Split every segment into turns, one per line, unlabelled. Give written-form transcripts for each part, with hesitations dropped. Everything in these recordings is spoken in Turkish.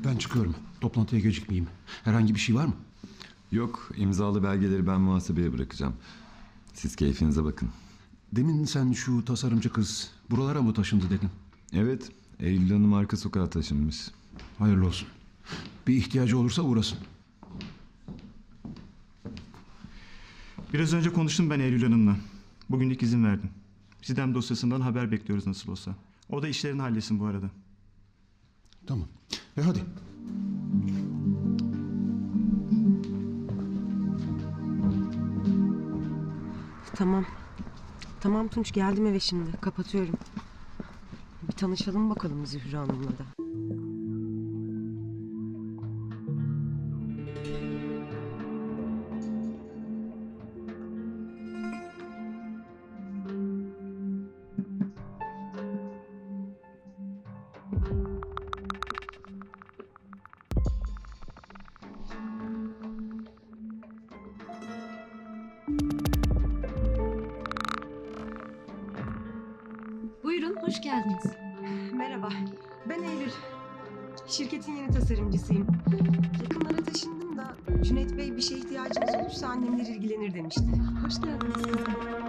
Ben çıkıyorum. Toplantıya gecikmeyeyim. Herhangi bir şey var mı?
Yok, imzalı belgeleri ben muhasebeye bırakacağım. Siz keyfinize bakın.
Demin sen şu tasarımcı kız buralara mı taşındı dedin?
Evet, Eylül Hanım arka sokağa taşınmış.
Hayırlı olsun. Bir ihtiyacı olursa uğrasın.
Biraz önce konuştum ben Eylül Hanım'la. Bugünlük izin verdim. Sidem dosyasından haber bekliyoruz nasıl olsa. O da işlerini halletsin bu arada.
Tamam. Hadi.
Tamam. Tamam Tunç, geldim eve şimdi. Kapatıyorum. Bir tanışalım bakalım Zühre Hanım'la da.
Buyurun, hoş geldiniz.
Merhaba. Ben Eylül. Şirketin yeni tasarımcısıyım. Yakınlara taşındım da Cüneyt Bey bir şeye ihtiyacınız olursa annemler ilgilenir demişti.
Hoş geldiniz kızım.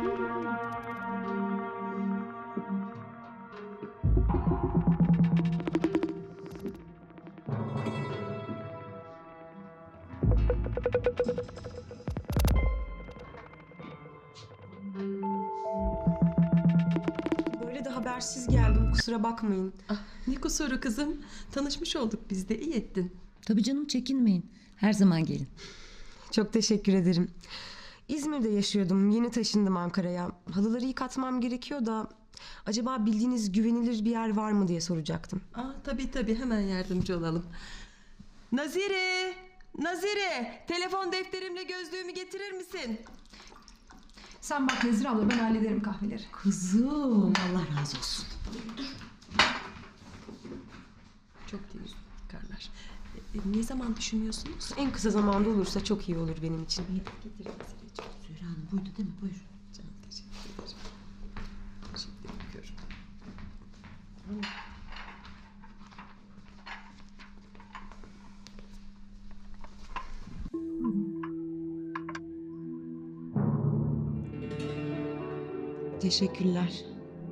Böyle de habersiz geldim, kusura bakmayın.
Ne kusuru kızım? Tanışmış olduk biz de, iyi ettin.
Tabii canım, çekinmeyin. Her zaman gelin.
Çok teşekkür ederim. İzmir'de yaşıyordum. Yeni taşındım Ankara'ya. Halıları yıkatmam gerekiyor da acaba bildiğiniz güvenilir bir yer var mı diye soracaktım.
Tabii hemen yardımcı olalım. Nazire! Nazire! Telefon defterimle gözlüğümü getirir misin?
Sen bak Nezire abla, ben hallederim kahveleri.
Kızım, Allah razı olsun.
Çok değil karlar. Ne zaman düşünüyorsunuz?
En kısa zamanda olursa çok iyi olur benim için.
Getir Nazire'ciğim.
Zühre Hanım buydu değil mi? Buyur.
Canım teşekkür ederim. Şimdi bakıyorum.
Teşekkürler.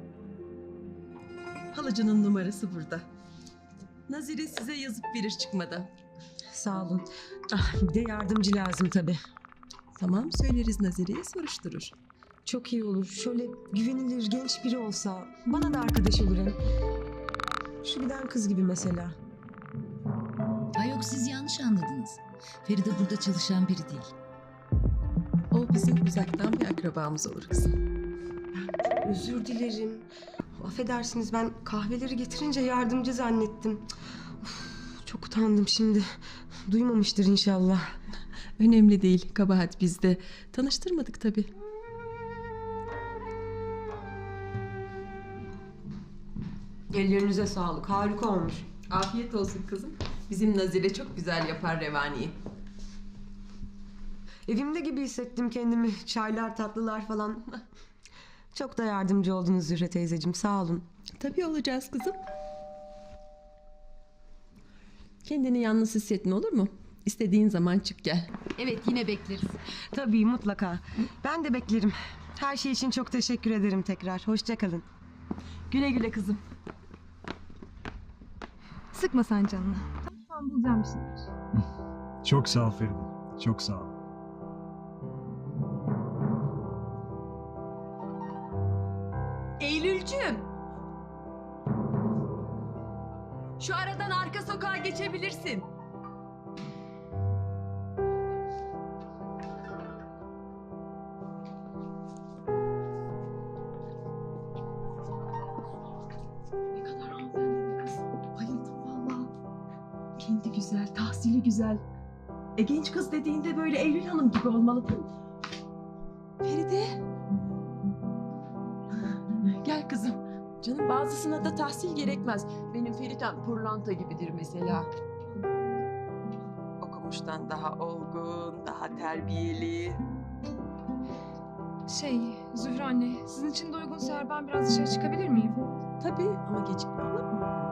Halıcının numarası burada. Nazire size yazıp verir çıkmadan.
Sağ olun. Bir de yardımcı lazım tabii.
Tamam, söyleriz Nazire'ye, soruşturur.
Çok iyi olur. Şöyle güvenilir genç biri olsa. Bana da arkadaş olur hem. Şu giden kız gibi mesela.
Ay yok, siz yanlış anladınız. Feride burada çalışan biri değil.
O bizim uzaktan bir akrabamız olur kızım.
Özür dilerim. Affedersiniz, ben kahveleri getirince yardımcı zannettim. Of, çok utandım şimdi. Duymamıştır inşallah.
Önemli değil, kabahat bizde. Tanıştırmadık tabii.
Ellerinize sağlık. Harika olmuş.
Afiyet olsun kızım. Bizim Nazire çok güzel yapar revaniyi.
Evimde gibi hissettim kendimi. Çaylar, tatlılar falan. Çok da yardımcı oldunuz Zühre teyzeciğim. Sağ olun.
Tabii olacağız kızım. Kendini yalnız hissetme, olur mu? İstediğin zaman çık gel.
Evet, yine bekleriz.
Tabii, mutlaka. Ben de beklerim. Her şey için çok teşekkür ederim tekrar. Hoşça kalın.
Güle güle kızım.
Sıkma sen canını. Tamam, bulacağım bir şeyler.
Çok sağ ol Feride. Çok sağ ol.
Eylülcüğüm. Şu aradan arka sokağa geçebilirsin.
Ne kadar hanımefendi bir kız. Bayıldım valla. Kendi güzel, tahsili güzel.
Genç kız dediğinde böyle Eylül Hanım gibi olmalı değil mi? Feride. Gel kızım. Canım, bazısına da tahsil gerekmez. Benim Feritem pırlanta gibidir mesela. Okumuştan daha olgun, daha terbiyeli.
Zühre anne, sizin için de uygunsa eğer ben biraz dışarı çıkabilir miyim?
Tabii ama gecikme olur mu?